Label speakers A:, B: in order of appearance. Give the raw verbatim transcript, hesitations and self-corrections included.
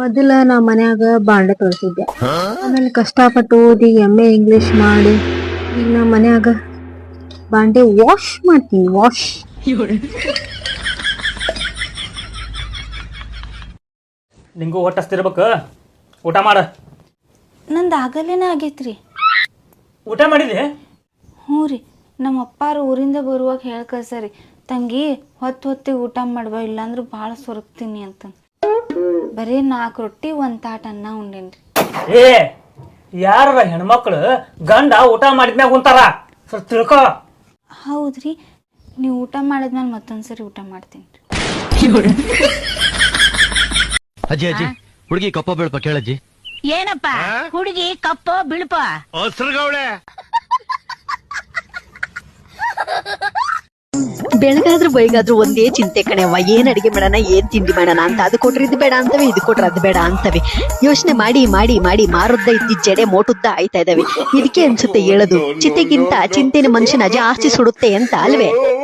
A: ಮೊದಲ ನಾ ಮನ್ಯಾಗ ಬಾಂಡೆ ತೊಳ್ಸಿದ್ದೆ. ಆಮೇಲೆ ಕಷ್ಟಪಟ್ಟು ಓದಿ ಎಮ್ ಎ ಇಂಗ್ಲಿಷ್ ಮಾಡಿ ಈಗ ನಾ ಮನ್ಯಾಗ ಬಾಂಡೆ ವಾಶ್ ಮಾಡ್ತೀನಿ. ವಾಶ್
B: ನಿಂಗೂ ಹೊಟ್ಟೆ ಹಸ್ತಿರ್ಬೇಕು. ಊಟ ಮಾಡ.
C: ನಂದು ಆಗಲೇನೆ ಆಗೈತ್ರಿ.
B: ಊಟ ಮಾಡಿದೆ?
C: ಹ್ಞೂ ರೀ, ನಮ್ಮ ಅಪ್ಪಾರು ಊರಿಂದ ಬರುವಾಗ ಹೇಳಿ ಕಳ್ಸರಿ, ತಂಗಿ ಹೊತ್ತು ಹೊತ್ತಿಗೆ ಊಟ ಮಾಡುವ, ಇಲ್ಲಾಂದ್ರೆ ಭಾಳ ಸೊರಗ್ತೀನಿ ಅಂತ. ಬರೀ ನಾಲ್ಕು ರೊಟ್ಟಿ ಒಂದು ತಾಟ ಅನ್ನ ಉಂಡೇನ್ರಿ.
B: ಏ ಯಾರ ಹೆಣ್ಮಕ್ಳು ಗಂಡ ಊಟ ಮಾಡಿದ್ಮ್ಯಾಗ ಉಂತಾರ, ಸ್ವಲ್ಪ ತಿಳ್ಕೊ.
C: ಹೌದ್ರಿ, ನೀವು ಊಟ ಮಾಡಿದ್ಮೇಲೆ ಮತ್ತೊಂದ್ಸರಿ ಊಟ ಮಾಡ್ತೀನಿ.
D: ಅಜ್ಜಿ ಅಜ್ಜಿ ಹುಡುಗಿ ಕಪ್ಪ ಬೀಳ್ಪ ಕೇಳಜ್ಜಿ.
E: ಏನಪ್ಪ ಹುಡುಗಿ ಕಪ್ಪ ಬಿಳುಪ
D: ಹಸ್ರಗೌಳೆ.
F: ಬೆಳಗಾದ್ರೂ ಬೈಗಾದ್ರೂ ಒಂದೇ ಚಿಂತೆ ಕಣೆವ್ವ, ಏನ್ ಅಡಿಗೆ ಮಾಡೋಣ, ಏನ್ ತಿಂಡಿ ಮಾಡೋಣ ಅಂತ. ಅದು ಕೊಟ್ರೆ ಇದು ಬೇಡ ಅಂತವೆ, ಇದು ಕೊಟ್ರೆ ಅದು ಬೇಡ ಅಂತವೆ. ಯೋಚನೆ ಮಾಡಿ ಮಾಡಿ ಮಾಡಿ ಮಾರುದ್ದ ಇದ್ದಿದ್ದ ಜಡೆ ಮೋಟುದ್ದ ಆಯ್ತಾ ಇದಾವೆ. ಇದಕ್ಕೆ ಅನ್ಸುತ್ತೆ ಹೇಳೋದು, ಚಿತೆಗಿಂತ ಚಿಂತೆನ ಮನುಷ್ಯನ ಜಾಸ್ತಿ ಸುಡುತ್ತೆ ಅಂತ ಅಲ್ವೇ?